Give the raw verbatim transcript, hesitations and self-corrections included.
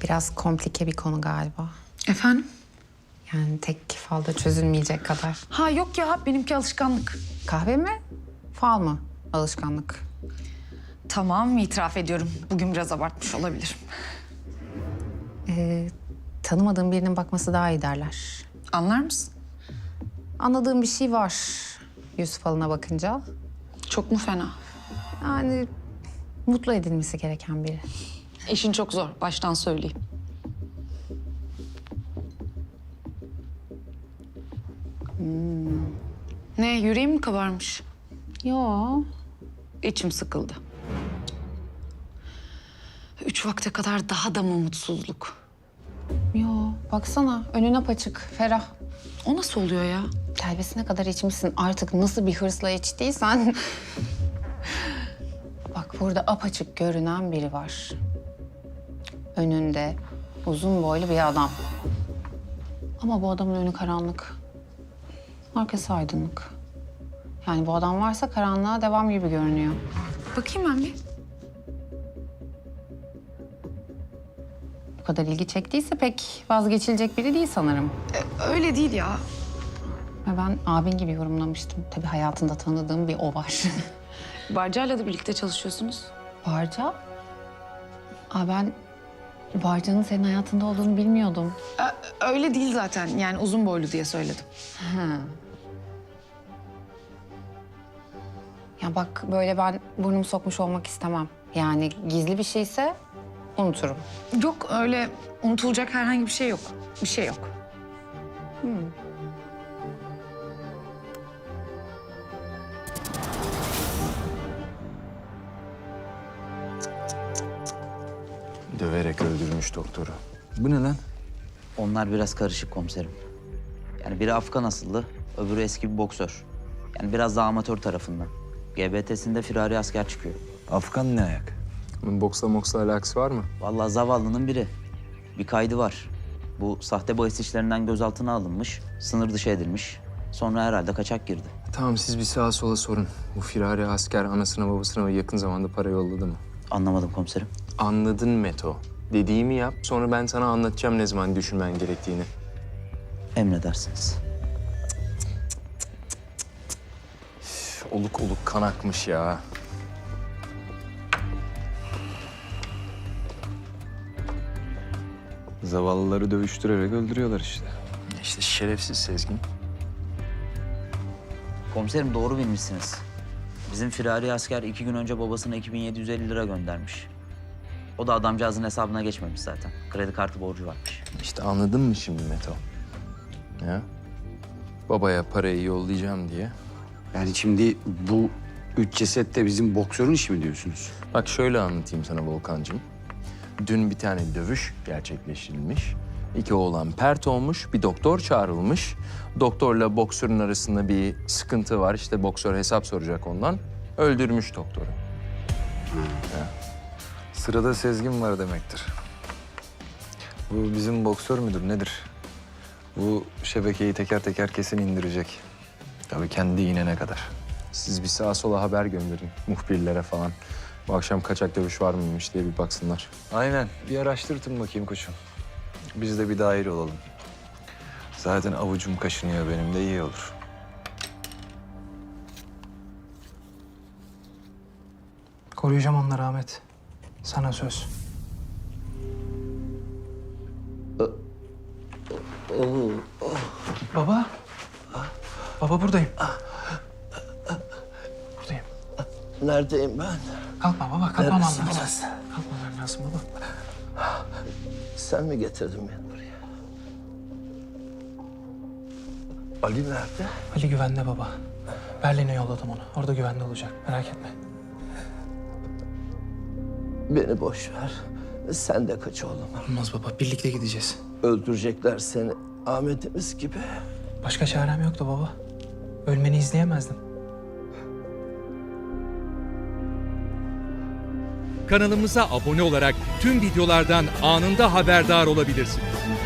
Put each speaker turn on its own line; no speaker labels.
Biraz komplike bir konu galiba.
Efendim?
Yani tek falda çözülmeyecek kadar.
Ha yok ya, benimki alışkanlık.
Kahve mi? Fal mı? Alışkanlık.
Tamam, itiraf ediyorum. Bugün biraz abartmış olabilirim.
Ee, tanımadığım birinin bakması daha iyi derler.
Anlar mısın?
Anladığım bir şey var yüz falına bakınca.
Çok mu fena?
Yani mutlu edilmesi gereken biri.
İşin çok zor, baştan söyleyeyim. Hmm. Ne, yüreğim mi kabarmış?
Yo.
İçim sıkıldı. Üç vakte kadar daha da mı mutsuzluk?
Yo. Baksana önün apaçık, ferah.
O nasıl oluyor ya?
Telvesine kadar içmişsin. Artık nasıl bir hırsla içtiysen. Bak burada apaçık görünen biri var. Önünde uzun boylu bir adam. Ama bu adamın önü karanlık. Arkası aydınlık. Yani bu adam varsa karanlığa devam gibi görünüyor.
Bakayım ben bir.
Bu kadar ilgi çektiyse pek vazgeçilecek biri değil sanırım.
Ee, öyle değil ya.
Ve ben abin gibi yorumlamıştım. Tabii hayatında tanıdığım bir o var.
Barca'yla da birlikte çalışıyorsunuz.
Barca? Aa, ben Barca'nın senin hayatında olduğunu bilmiyordum.
Ee, öyle değil zaten. Yani uzun boylu diye söyledim.
Ha. Ya bak böyle ben burnumu sokmuş olmak istemem. Yani gizli bir şeyse unuturum.
Yok, öyle unutulacak herhangi bir şey yok. Bir şey yok.
Hmm.
Döverek öldürmüş doktoru. Bu ne lan?
Onlar biraz karışık komiserim. Yani biri Afgan asıllı, öbürü eski bir boksör. Yani biraz daha amatör tarafından. G B T'sinde firari asker çıkıyor.
Afgan ne ayak? Bunun boksla moksla alakası var mı?
Vallahi zavallının biri. Bir kaydı var. Bu sahte bahis işlerinden gözaltına alınmış, sınır dışı edilmiş. Sonra herhalde kaçak girdi.
Tamam siz bir sağa sola sorun. Bu firari asker anasına babasına yakın zamanda para yolladı mı?
Anlamadım komiserim.
Anladın Meto. Dediğimi yap sonra ben sana anlatacağım ne zaman düşünmen gerektiğini.
Emredersiniz.
Üf, oluk oluk kan akmış ya. Zavallıları dövüştürerek öldürüyorlar işte. İşte şerefsiz Sezgin.
Komiserim doğru bilmişsiniz. Bizim firari asker iki gün önce babasına iki bin yedi yüz elli lira göndermiş. O da adamcağızın hesabına geçmemiş zaten. Kredi kartı borcu varmış.
İşte anladın mı şimdi Meto? Ya? Babaya parayı yollayacağım diye.
Yani şimdi bu üç ceset de bizim boksörün işi mi diyorsunuz?
Bak şöyle anlatayım sana Volkan'cığım. Dün bir tane dövüş gerçekleştirilmiş. İki oğlan pert olmuş, bir doktor çağrılmış. Doktorla boksörün arasında bir sıkıntı var. İşte boksör hesap soracak ondan. Öldürmüş doktoru. Ya.
Sırada Sezgin var demektir. Bu bizim boksör müdür nedir? Bu şebekeyi teker teker kesin indirecek. Tabii kendi inene kadar.
Siz bir sağa sola haber gönderin muhbirlere falan. Bu akşam kaçak dövüş var mıymış diye bir baksınlar.
Aynen. Bir araştırtın bakayım koçum. Biz de bir dahil olalım. Zaten avucum kaşınıyor benim de iyi olur.
Koruyacağım onları Ahmet. Sana söz. Baba. Baba buradayım. Buradayım.
Neredeyim ben?
Kalkma baba, kalkmam lazım.
Neredesin burası?
Kalkmam lazım baba.
Sen mi getirdin beni buraya? Ali nerede?
Ali güvende baba. Berlin'e yolladım onu. Orada güvende olacak. Merak etme.
Beni boş ver. Sen de kaç oğlum.
Olmaz baba. Birlikte gideceğiz.
Öldürecekler seni. Ahmet'imiz gibi.
Başka çarem yoktu baba. Ölmeni izleyemezdim.
Kanalımıza abone olarak tüm videolardan anında haberdar olabilirsiniz.